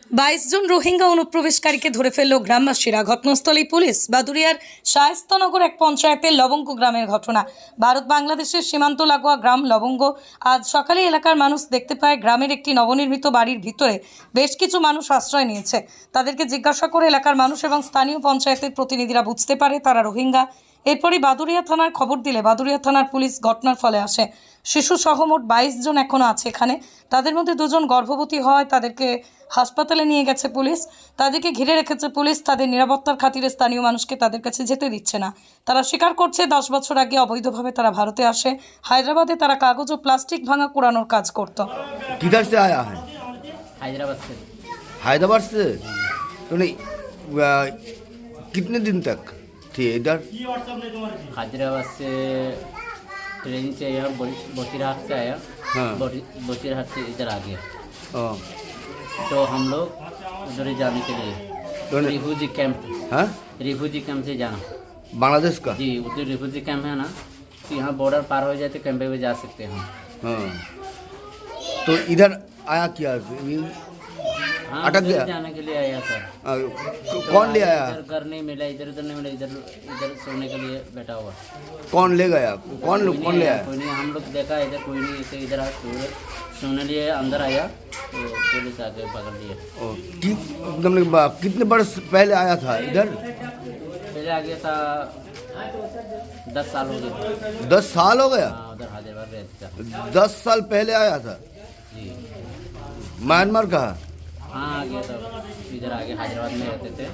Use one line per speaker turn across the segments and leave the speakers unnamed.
22 জন রোহিঙ্গা অনুপ্রবেশকারীকে ধরে ফেলল গ্রামবাসীরা। ঘটনাস্থলেই পুলিশ। বাদুড়িয়ার শায়েস্তানগর এক পঞ্চায়েতের লবঙ্গ গ্রামের ঘটনা। ভারত বাংলাদেশের সীমান্ত লাগোয়া গ্রাম লবঙ্গ। আজ সকালে এলাকার মানুষ দেখতে পায় গ্রামের একটি নবনির্মিত বাড়ির ভিতরে বেশ কিছু মানুষ আশ্রয় নিয়েছে। তাদেরকে জিজ্ঞাসা করে এলাকার মানুষ এবং স্থানীয় পঞ্চায়েতের প্রতিনিধিরা বুঝতে পারে তারা রোহিঙ্গা। এরপরই বাদুড়িয়া থানার খবর দিলে বাদুড়িয়া থানার পুলিশ ঘটনার ফলে আসে। শিশু সহ মোট 22 জন এখনও আছে এখানে। তাদের মধ্যে 2 জন গর্ভবতী হয়, তাদেরকে হাসপাতালে নিয়ে গেছে পুলিশ। তাদেরকে ঘিরে রেখেছে পুলিশ। তাদের নিরাপত্তার খাতিরে স্থানীয় মানুষকে তাদের কাছে যেতে দিচ্ছে না। তারা স্বীকার করছে 10 বছর আগে অবৈধভাবে তারা ভারতে আসে। হায়দ্রাবাদে তারা কাগজ ও প্লাস্টিক ভাঙা কুড়ানোর কাজ করত।
किधर से आया है?
हैदराबाद से।
हैदराबाद से। तो नहीं कितने दिन तक थे इधर?
हैदराबाद से ट्रेन से आया, बसीरहाट से आया।
हाँ।
बसीरहाट से इधर आ गया।
हाँ।
तो हम लोग उधर ही जाने के लिए
तो नहीं-
रिफ्यूजी कैंप,
हाँ?
रिफ्यूजी कैंप से जाना।
बांग्लादेश का?
जी, उधर रिफ्यूजी कैंप है ना, तो यहाँ बॉर्डर पार हो जाए तो कैंप पे जा सकते हैं हम।
हाँ। तो इधर आया क्या?
हाँ,
अटक
उधर
गया?
जाने के लिए आया सर।
कौन ले आया?
इधर घर नहीं मिला, इधर उधर नहीं मिला, इधर इधर सोने के लिए बैठा हुआ।
कौन ले गया? कौन
कोई
कौन
नहीं
ले
आया,
आया?
कोई नहीं। हम लोग देखा इधर कोई नहीं, इसे इधर सोने लिए अंदर आया तो पुलिस आके पकड़ लिया।
ओ, कितने वर्ष पहले आया था इधर?
पहले आ गया था 10 साल हो गए।
10 साल हो गया?
हाँ, उधर हैदराबाद रहता था।
10 साल पहले आया था।
जी
म्यांमार का?
हाँ, आ गया था इधर, आगे हैदराबाद में रहते थे।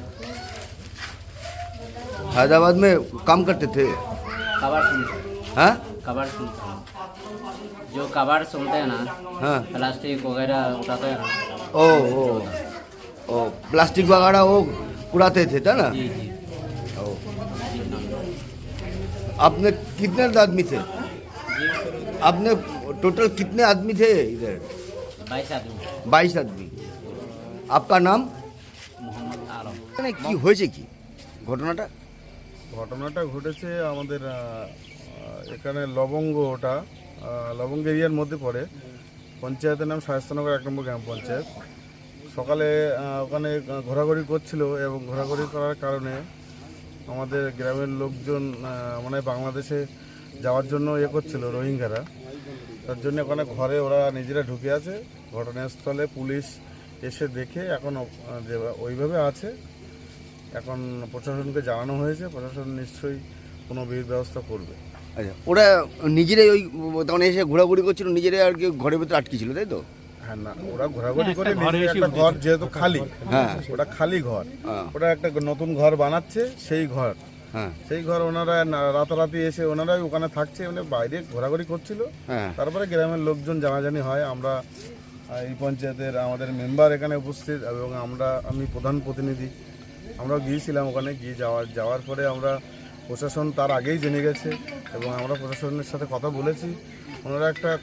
हैदराबाद में काम करते थे?
कबाड़ सुनते,
हाँ?
कबाड़ सुनते हैं। जो कबाड़ सुनते हैं ना,
हाँ।
प्लास्टिक वगैरह उठाते हैं ना।
ओ ओ ओ प्लास्टिक वगैरह वो उड़ाते थे था ना?
जी जी
ओ,
जी
आपने कितने आदमी थे?
जी।
आपने टोटल कितने आदमी थे इधर?
22 आदमी।
22 आदमी। आपका नाम?
মোহাম্মদ আলম।
মানে কি হয়েছে কি ঘটনাটা?
ঘটনাটা ঘটেছে আমাদের এখানে লবঙ্গ, ওটা লবঙ্গ এরিয়ার মধ্যে পড়ে। পঞ্চায়েতের নাম শায়েস্তানগর 1 নম্বর গ্রাম পঞ্চায়েত। সকালে ওখানে ঘোরাঘুরি করছিল এবং ঘোরাঘুরি করার কারণে আমাদের গ্রামের লোকজন মানে বাংলাদেশে যাওয়ার জন্য করছিল রোহিঙ্গারা। তার জন্য ওখানে ঘরে ওরা নিজেরা ঢুকে আছে। ঘটনাস্থলে পুলিশ এসে দেখে এখন যে ওইভাবে আছে। এখন প্রশাসনকে জানানো হয়েছে, প্রশাসন নিশ্চয়ই কোনো বিহিত ব্যবস্থা করবে।
আচ্ছা, ওরা নিজেরাই ওই তখন এসে ঘোরাঘুরি করছিল, নিজেরাই আর কি ঘরের ভিতরে আটকে ছিল, তাই তো?
হ্যাঁ, না ওরা ঘোরাঘুরি করে নিজের একটা ঘর, যেহেতু খালি,
হ্যাঁ।
ওটা খালি ঘর,
হ্যাঁ।
ওটা একটা নতুন ঘর বানাচ্ছে, সেই ঘর,
হ্যাঁ
সেই ঘর ওনারা রাতারাতি এসে ওনারাই ওখানে থাকছে, মানে বাইরে ঘোরাঘুরি করছিল।
হ্যাঁ।
তারপরে গ্রামের লোকজন জানাজানি হয়। আমরা এই পঞ্চায়েতের আমাদের মেম্বার এখানে উপস্থিত এবং আমি প্রধান প্রতিনিধি, আমরাও গিয়েছিলাম ওখানে। যাওয়ার পরে আমরা প্রশাসন তার আগেই জেনে গেছে এবং আমরা প্রশাসনের সাথে কথা বলেছি। ওনারা একটা